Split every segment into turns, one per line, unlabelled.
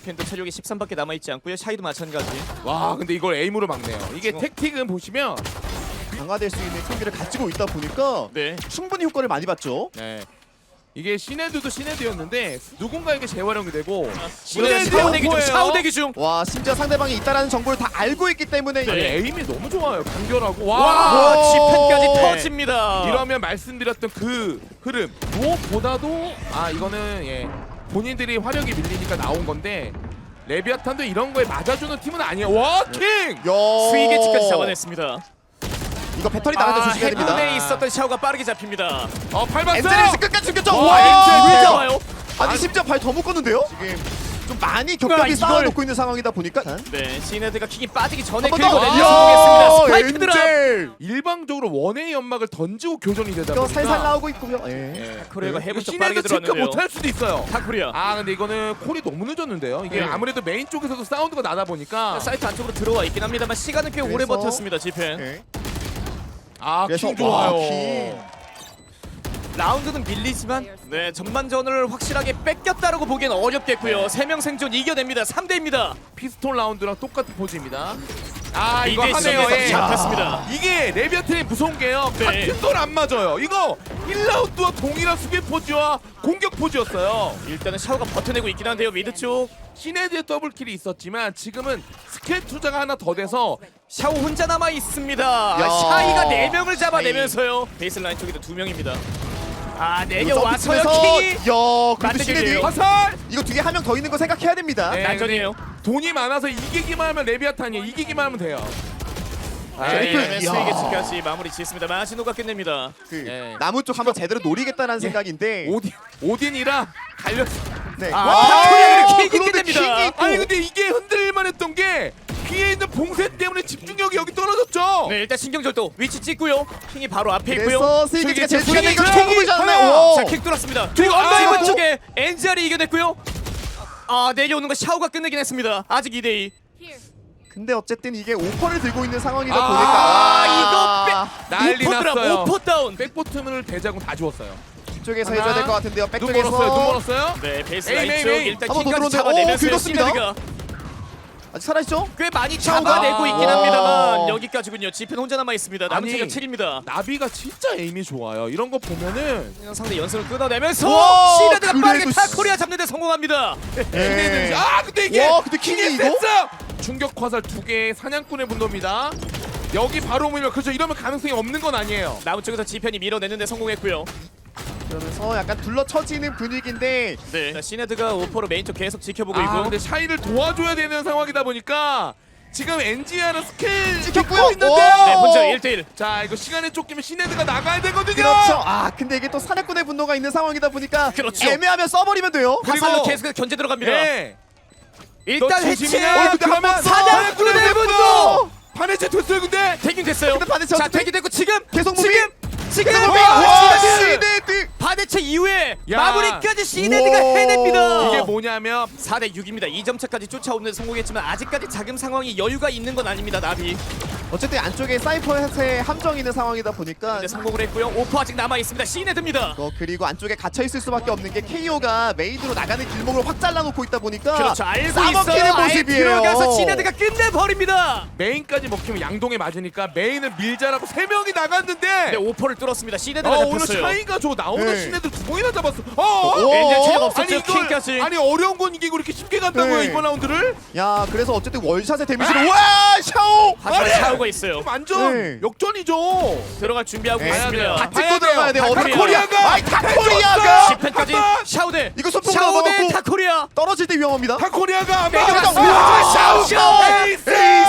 지펜도 체력이 13밖에 남아있지 않고요. 샤이도 마찬가지.
와 근데 이걸 에임으로 막네요. 이게 택틱은 보시면
강화될 수 있는 총기를 가지고 있다 보니까
네.
충분히 효과를 많이 봤죠.
네. 이게 시네드도 시네드였는데 누군가에게 재활용이 되고
시네드 샤오 대기 중. 샤오 대기 중.
와 심지어 상대방이 있다라는 정보를 다 알고 있기 때문에
아니,
네.
에임이 너무 좋아요. 간결하고
와,
와.
지펜까지
네.
터집니다.
이러면 말씀드렸던 그 흐름 무엇보다도 이거는 본인들이 화력이 밀리니까 나온 건데 레비아탄도 이런 거에 맞아주는 팀은 아니에요. 와 킹!
스위게치까지 잡아냈습니다.
이거 배터리 나가는 조심해야 됩니다.
해군에 있었던 샤오가 빠르게 잡힙니다.
밟았어요.
엔젤스 끝까지 죽였죠.
와,
와
엔젤
엔젤
잡아요.
아니 심지어 발 더 묶었는데요? 지금 좀 많이
그러니까
격하게
이걸-
쌓아놓고 있는 상황이다 보니까
네, 시네드가 킹이 빠지기 전에
한번
그리고
더.
내려
야,
성공했습니다. 스파이크 드랍.
엔젤.
일방적으로 원의 연막을 던지고 교전이 되다
이거
보니까
살살 나오고 있고요. 예.
코리아가
네.
해본 쪽 빠르게
시네드 체크
들어왔는데요.
못할 수도 있어요.
다코리아.
근데 이거는 콜이 너무 늦었는데요. 이게
네.
아무래도 메인 쪽에서도 사운드가 나다 보니까
사이트 안쪽으로 들어와 있긴 합니다만 시간은 꽤 오래
그래서-
버텼습니다. 지펜.
예.
킹
와,
좋아요.
킹.
라운드는 밀리지만 네 전반전을 확실하게 뺏겼다라고 보기엔 어렵겠고요. 3명 생존 이겨냅니다. 3대입니다.
피스톨 라운드랑 똑같은 포즈입니다. 이거
2대
하네요.
지점에서
예.
잡혔습니다.
이게 레비아트의 무서운 게요.
네.
같은 돌 안 맞아요. 이거 1라운드와 동일한 수비 포즈와 공격 포즈였어요.
일단은 샤오가 버텨내고 있긴 한데요. 미드 쪽
시네드의 더블킬이 있었지만 지금은 스킬 투자가 하나 더 돼서
샤오 혼자 남아 있습니다.
야.
샤이가 4명을 잡아내면서요. 베이스라인 쪽에도 2명입니다. 내려와서요
점프에서-
킹이.
야, 그래도
만들기네요.
시네드
화살!
이거 뒤에 한 명 더 있는 거 생각해야 됩니다.
네,
난전이에요.
돈이 많아서 이기기만 하면 레비아탄이에요. 이기기만 하면 돼요.
트리플. 이야.
스위게츠까지 마무리 짓습니다. 마지노가 끝냅니다.
그
예.
나무 쪽 한번 제대로 노리겠다는 생각인데.
오딘이라 갈렸어.
네.
타코리아를 킥이
그런데
끝냅니다.
킥이 또-
아니 근데 이게 흔들릴만 했던 게 뒤에 있는 봉쇄 때문에 집중력이 여기 떨어졌죠.
네, 일단 신경절도 위치 찍고요. 킹이 바로 앞에 있고요.
그래서 스위게츠가 제일
스위게츠
중요한 게
스위게츠
총을
하나.
잡네.
자, 킥 뚫었습니다. 그리고
아,
언더이버
또?
쪽에 엔젤이 이겨냈고요. 내려오는 거 샤오가 끝내긴 했습니다. 아직 2대2.
근데 어쨌든 이게 오퍼를 들고 있는 상황이다
이거
보니까
난리
오퍼드랍,
났어요.
오퍼 다운.
백보트문을 대자고 다 주웠어요.
이쪽에서
하나.
해줘야 될 것 같은데요.
눈 멀었어요. 눈
백쪽에서
멀었어요.
네, 베이스
에이,
라인
에이,
쪽
에이.
일단
한번더
킹까지
들어오는데,
잡아내면서
긁었습니다.
시네드가
아직 살아있죠?
꽤 많이 잡아내고 있긴
와.
합니다만 여기까지군요. 지펜 혼자 남아 있습니다. 남은
아니.
체력 7입니다.
나비가 진짜 에임이 좋아요. 이런 거 보면은
상대 연습을 끊어내면서
와,
시네드가 빠르게
그래도
타코리아 잡는 데 성공합니다.
네.
근데 이게
와, 근데 킹이 이거?
됐어! 충격 화살 2개 사냥꾼의 분노입니다. 여기 바로 오면 그렇죠. 이러면 가능성이 없는 건 아니에요.
남은 쪽에서 지펜이 밀어내는데 성공했고요.
그러면서 약간 둘러쳐지는 분위기인데
네. 자, 시네드가 오퍼로 메인 쪽 계속 지켜보고
아
있고.
근데 샤이를 도와줘야 되는 상황이다 보니까 지금 NGR은 스킬
찍혔고요.
찍고 있는데
네, 혼자 1대1.
자 이거 시간에 쫓기면 시네드가 나가야 되거든요.
그렇죠. 근데 이게 또 사냥꾼의 분노가 있는 상황이다 보니까
그렇죠.
애매하면 써버리면 돼요.
그리고-
화살로 계속 견제 들어갑니다.
네.
일단
너
해치.
조심이야. 그러면
사냥꾼의 분노.
반해체 됐어요 근데.
대균 됐어요.
근데 반대체
자,
어떻게-
대균 됐고 지금
계속 무빙?
지금
와,
시네드.
시네드.
반대체 이후에
야.
마무리까지 시네드가
우와.
해냅니다.
이게 뭐냐면
4대6입니다. 2점 차까지 쫓아오는 데 성공했지만 아직까지 자금 상황이 여유가 있는 건 아닙니다. 나비.
어쨌든 안쪽에 사이퍼의 함정이 있는 상황이다 보니까
근데 성공을 했고요. 오퍼 아직 남아 있습니다. 시네드입니다.
그리고 안쪽에 갇혀 있을 수밖에 없는 게 KO가 메인으로 나가는 길목을 확 잘라놓고 있다 보니까
그렇죠. 알고
싸먹히는
있어요. 아예
모습이에요.
들어가서 시네드가 끝내버립니다.
메인까지 먹히면 양동에 맞으니까 메인을 밀자라고 3명이 나갔는데
네, 오퍼를 뚫었습니다. 시네드가
오늘
잡혔어요.
샤이가 나오는
네.
시네드 2번이나 잡았어.
엔젤 체력
아니
없었죠.
이걸
킹까지.
아니 어려운 건 이기고 이렇게 쉽게 간다고요
네.
이번 라운드를?
야 그래서 어쨌든 월샷의 데미지를 와 샤오
하지만
아니!
샤오가 있어요.
완전
네.
역전이죠.
들어갈 준비하고
네.
있습니다.
다
찍고 들어가야 돼요.
타코리아.
타코리아가 타코리아가
지펜까지 샤오대.
이거 소품
샤오대
먹었고
타코리아.
떨어질 때 위험합니다.
타코리아가 안
내려갔어.
막았어.
샤오.
에이스!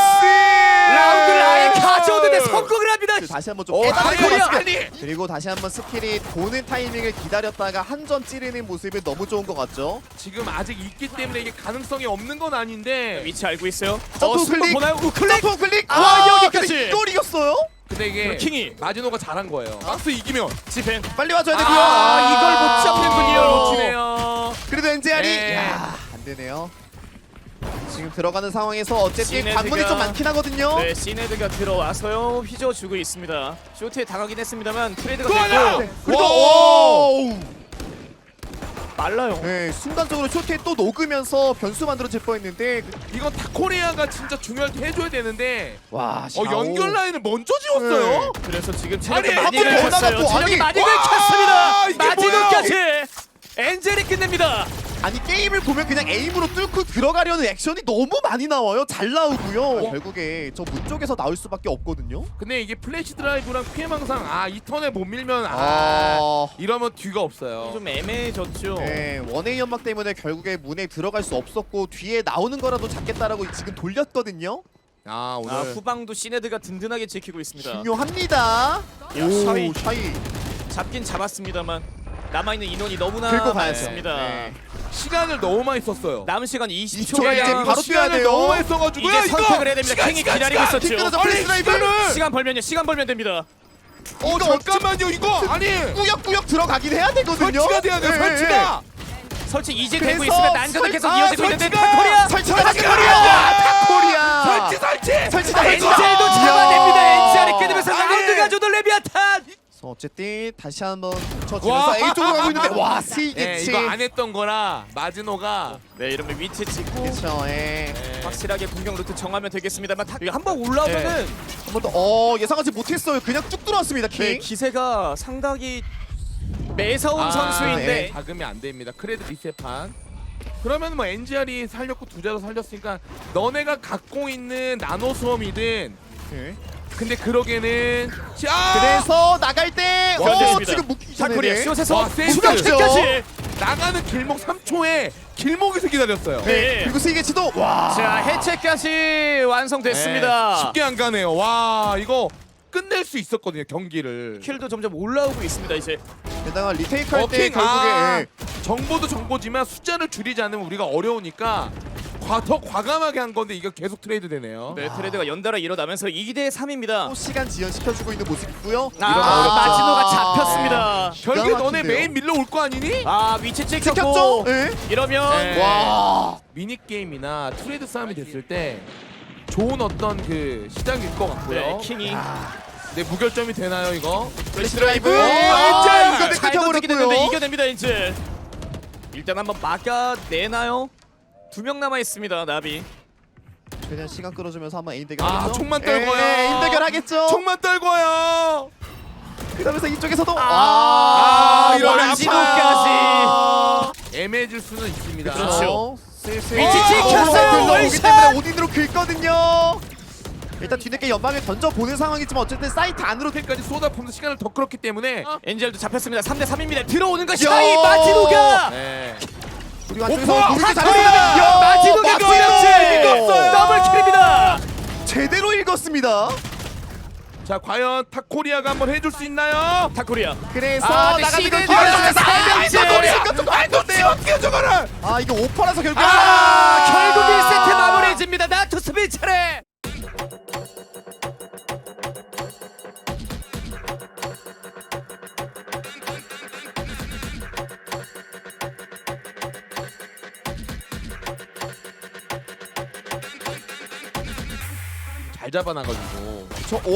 라운드를 아예 가져오는데 성공을 합니다.
다시 한번 좀
아니,
깨달은
아니.
그리고 다시 한번 스킬이 도는 타이밍을 기다렸다가 한 점 찌르는 모습이 너무 좋은 것 같죠.
지금 아직 있기 때문에 이게 가능성이 없는 건 아닌데
위치 알고 있어요.
점프
스포
클릭.
보나요? 클릭.
점프 클릭.
여기까지.
근데 이걸 이겼어요?
근데 이게
킹이.
마지노가 잘한 거예요. 박스 이기면
지펜.
빨리 와줘야 되고요.
이걸 못 잡는군요.
놓치네요.
그래도 엔젤이
네.
안 되네요. 지금 들어가는 상황에서 어쨌든
시네드가-
관문이 좀 많긴 하거든요.
네, 시네드가 들어와서요. 휘저어주고 있습니다. 쇼트에 당하긴 했습니다만 트레이드가
또 하나!
됐고.
네. 그래도
오!
오!
빨라요.
네, 순간적으로 쇼트에 또 녹으면서 변수 만들어질 뻔했는데
이건 타코리아가 진짜 중요할 때 해줘야 되는데
와
연결 라인을 먼저 지웠어요.
그래서 지금
아니,
체력이 많이
한번 더
긁혔어요.
나갔고,
체력이
아니,
많이
와,
긁혔습니다.
이게
마지노까지 엔젤이 끝냅니다.
아니 게임을 보면 그냥 에임으로 뚫고 들어가려는 액션이 너무 많이 나와요. 잘 나오고요. 결국에 저 문 쪽에서 나올 수밖에 없거든요.
근데 이게 플래시 드라이브랑 피해망상 이 턴에 못 밀면 이러면 뒤가 없어요.
좀 애매해졌죠.
네, 원웨이 연막 때문에 결국에 문에 들어갈 수 없었고 뒤에 나오는 거라도 잡겠다라고 지금 돌렸거든요.
오늘
후방도 시네드가 든든하게 지키고 있습니다.
중요합니다.
샤이.
샤이
잡긴 잡았습니다만 남아있는 인원이 너무나
긁고 가야죠.
많습니다.
네.
시간을 너무 많이 썼어요.
남은 시간 20초가
이제
이거
바로 뛰어야
시간을
돼요.
너무 많이 써가지고
이제 선택을 해야 됩니다. 킹이 기다리고 있었죠.
뒷걸어서 플래시 드라이브.
시간 벌면요. 시간 벌면 됩니다.
잠깐만요 이거 아니
꾸역꾸역 들어가긴 해야 되거든요.
설치가 돼야 돼요.
네,
설치가.
설치 이제
그래서
되고 있으면 난전은 계속
설-
이어지고 있는데
설치가!
타코리아
설치가 타코리아.
설치.
설치다.
엔젤도 잡아냅니다. 엔젤이 끊으면서
아니.
라운드가 주던 레비아탄.
어쨌든 다시 한번
와.
붙여주면서 A 쪽으로 가고 있는데 와 스위치.
예, 이거 안 했던 거라 마지노가
네, 이러면 위치 찍고
그렇죠. 예.
확실하게 공격 루트 정하면 되겠습니다만 한번 올라오면은
한 번 더 예상하지 못했어요. 그냥 쭉 들어왔습니다. 킹.
네, 기세가 상당히 매서운 선수인데
네.
자금이 안 됩니다. 크레드 리셋판. 그러면 뭐 NGR이 살렸고 두자도 살렸으니까 너네가 갖고 있는 나노 수험이든
네.
근데 그러기에는
그래서 나갈 때
견뎠습니다.
지금 묶기 전에
타코리아
네.
숏에서
와, 세이브.
추격까지.
나가는 길목 3초에 길목에서 기다렸어요.
네.
그리고 스위치도 와.
자, 해체까지 완성됐습니다.
네, 쉽게 안 가네요. 와 이거 끝낼 수 있었거든요 경기를.
킬도 점점 올라오고 있습니다. 이제
게다가 리테이크 할 때
킹.
결국에 예.
정보도 정보지만 숫자를 줄이지 않으면 우리가 어려우니까 더 과감하게 한 건데 이거 계속 트레이드 되네요.
네, 트레이드가 연달아 일어나면서 2대 3입니다.
또 시간 지연시켜주고 있는 모습이고요.
마지노가 잡혔습니다.
결국
기가
너네
막힌데요.
메인 밀러 올 거 아니니?
위치
찍혔죠?
찍혔고
예.
이러면
네.
와.
미니 게임이나 트레이드 싸움이 됐을 때 좋은 어떤 그 시작일 것 같고요.
네, 킹이
네 무결점이 되나요 이거?
플래시 드라이브.
엔젤!
이거
잘 던지게 됐는데
끊겨버렸고요.
이겨냅니다. 엔젤. 일단 한번 막아내나요? 2명 남아 있습니다. 나비.
그냥 시간 끌어주면서 한번 에임 대결 하겠죠?
총만 떨고요.
에임 대결 하겠죠?
총만 떨고요.
그러면서 이쪽에서도
이러면
마지노까지.
애매해질 수는 있습니다.
그렇죠.
슬슬
위치 찍혔어요.
오기
월샷!
때문에 오딘으로 긁거든요. 일단 뒤늦게 연방에 던져 보는 상황이지만 어쨌든 사이트 안으로
까지 쏟아붓는 시간을 더 끌었기 때문에
엔젤도 잡혔습니다. 3대 3입니다. 들어오는 것
야!
샤이 마지노가
네.
우리 완쪽에서 공격이
타코리아!
잘했습니다.
마지노가 그렇지. 더블킬입니다.
제대로 읽었습니다.
자 과연 타코리아가 한번 해줄 수 있나요?
타코리아.
그래서
네,
나가는
시대에
걸
들어가서
기다려서
타코리아!
어떻게 저거를?
이거 오퍼라서 결국
결국 1세트 마무리해집니다. 나투스비 차례.
잘 잡아놔가지고.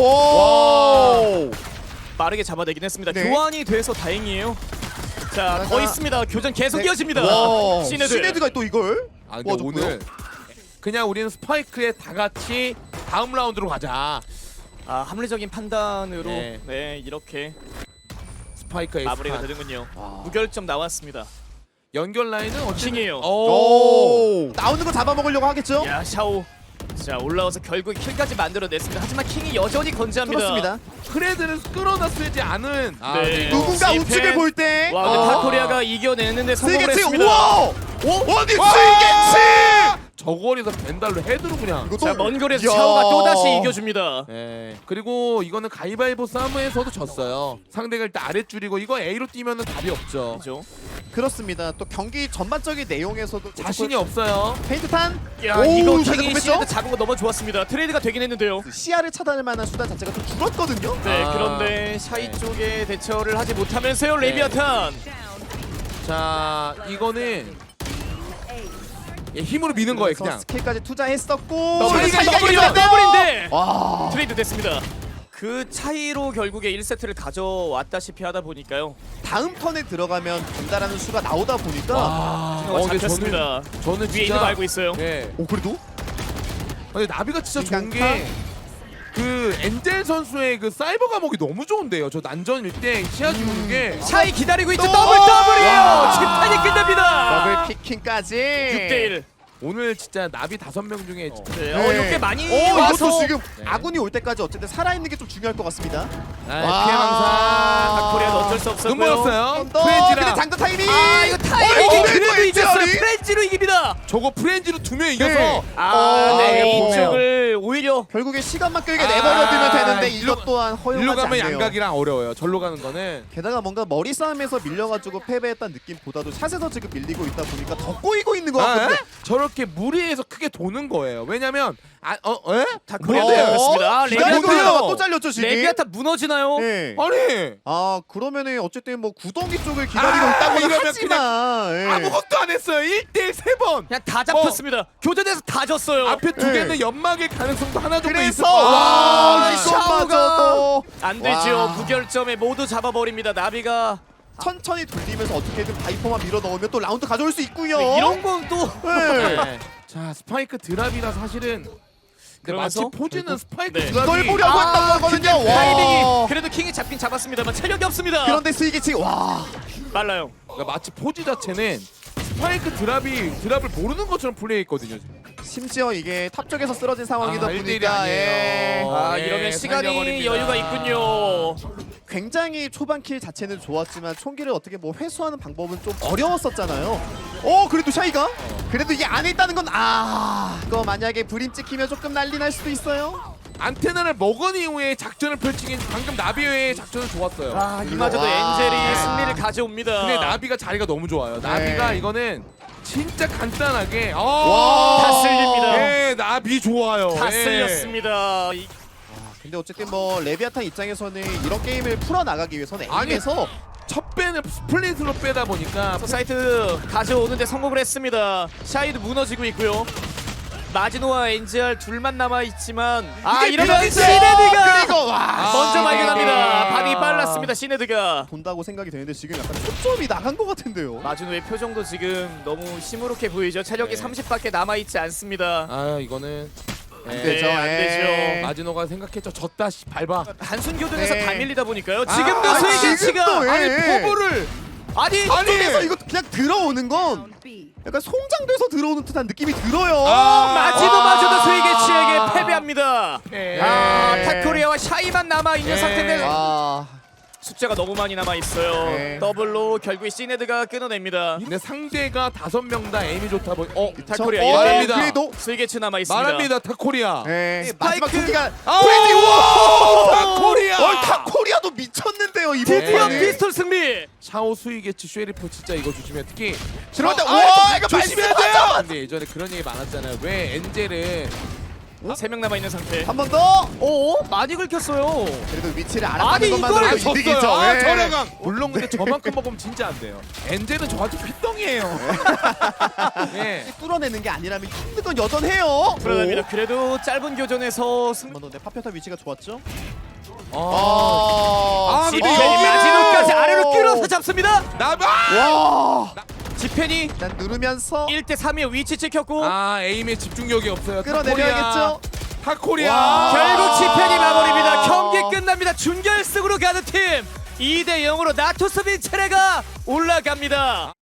오.
빠르게 잡아내긴 했습니다.
네.
교환이 돼서 다행이에요. 자, 더
하나,
있습니다. 교전 계속
네.
이어집니다.
와,
시네드.
시네드가 또 이걸
아 근데
도와줬고요.
오늘 그냥 우리는 스파이크에 다 같이 다음 라운드로 가자.
합리적인 판단으로
네.
네, 이렇게
스파이크에
마무리가 되는군요. 무결점 나왔습니다.
연결 라인은 어찌
킹이에요.
오. 나오는 거 잡아먹으려고 하겠죠?
야, 샤오. 자, 올라와서 결국 킬까지 만들어냈습니다. 하지만 킹이 여전히 건재합니다.
그렇습니다.
크레드를 끌어놨지 않은
네.
이거
누군가
시펜.
우측을 볼 때
와, 근데 타코리아가 이겨내는데 성공을
스위치
했습니다.
우와! 어디
와!
스위치!
저거리에서 벤달로 헤드로 그냥.
자, 먼 거리에서
야.
샤오가 또다시 이겨줍니다.
네. 그리고 이거는 가위바위보 싸움에서도 졌어요. 상대가 일단 아랫줄이고 이거 A로 뛰면은 답이 없죠.
그죠?
그렇습니다. 또 경기 전반적인 내용에서도
자신이 없어요.
페인트탄
야,
오,
이거
잘
킹이
잡았죠?
시네드 잡은 거 너무 좋았습니다. 트레이드가 되긴 했는데요.
시야를 차단할 만한 수단 자체가 좀 줄었거든요.
네,
아.
그런데 샤이
네.
쪽에 대처를 하지 못하면서요. 레비아탄.
자 이거는 힘으로 미는 거예요
그래서
그냥.
스킬까지 투자했었고
더블이
사이가
더블이죠.
이겼는데요.
더블인데
와.
트레이드 됐습니다. 그 차이로 결국에 1세트를 가져왔다시피 하다 보니까요.
다음 턴에 들어가면 간다라는 수가 나오다 보니까
어,
근데
잡혔습니다.
저는
위에
진짜
있는 거 알고 있어요.
예.
오 그래도
근데 나비가 진짜 좋은
인간파?
게 그 엔젤 선수의 그 사이버 감옥이 너무 좋은데요. 저 난전 1대 시야 주는 게
차이 기다리고 있죠.
또!
더블이에요.
와!
집탄이 끝납니다.
더블 피킹까지
6대1.
오늘 진짜 나비 5명 중에
네.
네.
이렇게 많이
이것도
와서
지금
네.
아군이 올 때까지 어쨌든 살아있는 게 좀 중요할 것 같습니다.
아, 피해 망상
코리아도 어쩔 수 없었고요.
눈보였어요.
언더
프렌지랑
근데 장전 타이밍.
아 이거 타이밍이
이거
그래도
또
이겼어요.
엔젤이?
프렌즈로 이깁니다.
저거 프렌지로 2명 이겨서
네.
네.
이거
이쪽을 오히려
결국에 시간만 끌게 내버려두면 되는데
일로-
이것 또한
일로
허용하지
가면
않네요.
양각이랑 어려워요. 절로 가는 거는
게다가 뭔가 머리 싸움에서 밀려가지고 패배했다는 느낌보다도 샷에서 지금 밀리고 있다 보니까 더 꼬이고 있는 것 같은데.
저렇게 무리해서 크게 도는 거예요. 왜냐면
다코리아
뭐예요?
그렇습니다.
기다리고
레비아타
있다가 또 잘렸죠 지금.
레비아타 무너지나요?
네.
아니
아 그러면은 어쨌든 뭐 구덩이 쪽을 기다리고
아,
있다고는
이러면
하지만 예.
아무것도 안 했어요. 1대1 3번.
그냥 다 잡혔습니다. 교전에서 다 졌어요.
앞에 두
네.
개는 연막일 가능성도 하나 정도 있을
그래서
거.
와
샤오가
이것마저도
안 되죠.
와.
무결점에 모두 잡아버립니다. 나비가
천천히 돌리면서 어떻게든 바이퍼만 밀어 넣으면 또 라운드 가져올 수 있고요.
네, 이런 건 또
네.
네. 자 스파이크 드랍이라 사실은 근데 마치
그러면서
포지는 스파이크
네.
드랍이
이걸 보려고 했던 거거든요. 와.
타이밍이 그래도 킹이 잡긴 잡았습니다만 체력이 없습니다.
그런데 스위기 지금 와.
빨라요.
그러니까 마치 포지 자체는 스파이크 드랍을 모르는 것처럼 플레이했거든요. 지금.
심지어 이게 탑 쪽에서 쓰러진 상황이다
아, 1대1이
보니까
아니에요.
아
네,
이러면 시간이
살려버립니다.
여유가 있군요.
굉장히 초반 킬 자체는 좋았지만 총기를 어떻게 뭐 회수하는 방법은 좀 어려웠었잖아요. 그래도 샤이가 그래도 이게 안에 있다는 건 이거 만약에 브림 찍히면 조금 난리 날 수도 있어요.
안테나를 먹은 이후에 작전을 펼치긴 방금 나비의 작전은 좋았어요.
아 이마저도
와.
엔젤이 승리를 가져옵니다.
근데 나비가 자리가 너무 좋아요. 나비가
네.
이거는 진짜 간단하게
와.
다 쓸립니다.
네, 나비 좋아요.
다
네.
쓸렸습니다.
근데 어쨌든 뭐 레비아탄 입장에서는 이런 게임을 풀어 나가기 위해서는
아니,
에임에서
첫 배는 스플릿으로 빼다 보니까
사이트 가져오는데 성공을 했습니다. 샤이도 무너지고 있고요. 마지노와 엔젤 둘만 남아 있지만
이게
이러면
밀어내죠!
시네드가
그리고 와
먼저
아.
발견합니다. 반이 빨랐습니다. 시네드가
본다고 생각이 되는데 지금 약간 초점이 나간 것 같은데요.
마지노의 표정도 지금 너무 시무룩해 보이죠. 체력이
네.
30밖에 남아 있지 않습니다.
아 이거는
안 되죠.
네, 안 되죠.
마지노가 생각했죠. 졌다 씨 밟아.
단순 교전에서
네.
다 밀리다 보니까요.
아,
지금도
아,
스위치가
지금도 왜?
아니 포부를
아니
쪽에서 이거 그냥 들어오는 건 약간 송장돼서 들어오는 듯한 느낌이 들어요.
마지노마저도 스위게치에게 패배합니다.
네.
타코리아와 샤이만 남아 있는
네.
상태인데
와.
숫자가 너무 많이 남아 있어요.
네.
더블로 결국에 시네드가 끊어냅니다.
근데 상대가 5명 다 에임이 좋다 보니
타코리아
저-
말합니다.
그래도
스위게치 남아 있습니다.
말합니다 타코리아.
네,
스파이크.
마지막 토끼가
프렌지 와 타코리아.
타코리아도 미쳤는데요 이번
드디어
네.
피스톨 승리.
샤오 수이게치 쉐리프 진짜 이거 조심해. 특히
들어갈 때,
아,
와, 이거
조심해야
말씀하죠!
돼요. 근데 예전에 그런 얘기 많았잖아요. 왜 엔젤은
3명 남아 있는 상태.
한 번 더.
오 많이 긁혔어요.
그래도 위치를
아니,
알아가는 것만으로도
이걸
이득이죠.
졌어요.
네.
저렴한. 물론 근데 저만큼 먹으면 진짜 안 돼요. 엔젤은 저한테 핏덩이에요. 네.
뚫어내는 게 아니라면 힘든 건 여전해요.
불안합니다. 그래도 짧은 교전에서 승리.
한번 더. 네, 파편타 위치가 좋았죠.
아,
아,
근데
지펜이
여기는-
마지노까지 아래로 끌어서 잡습니다.
나봐.
와.
지펜이
일단 누르면서
1대 3의 위치 찍혔고
아 에임에 집중력이 없어요.
끌어내려야겠죠.
타코리아.
와.
결국 지펜이 마무리입니다. 경기 끝납니다. 준결승으로 가는 팀 2대 0으로 나토스 빈체레가 올라갑니다.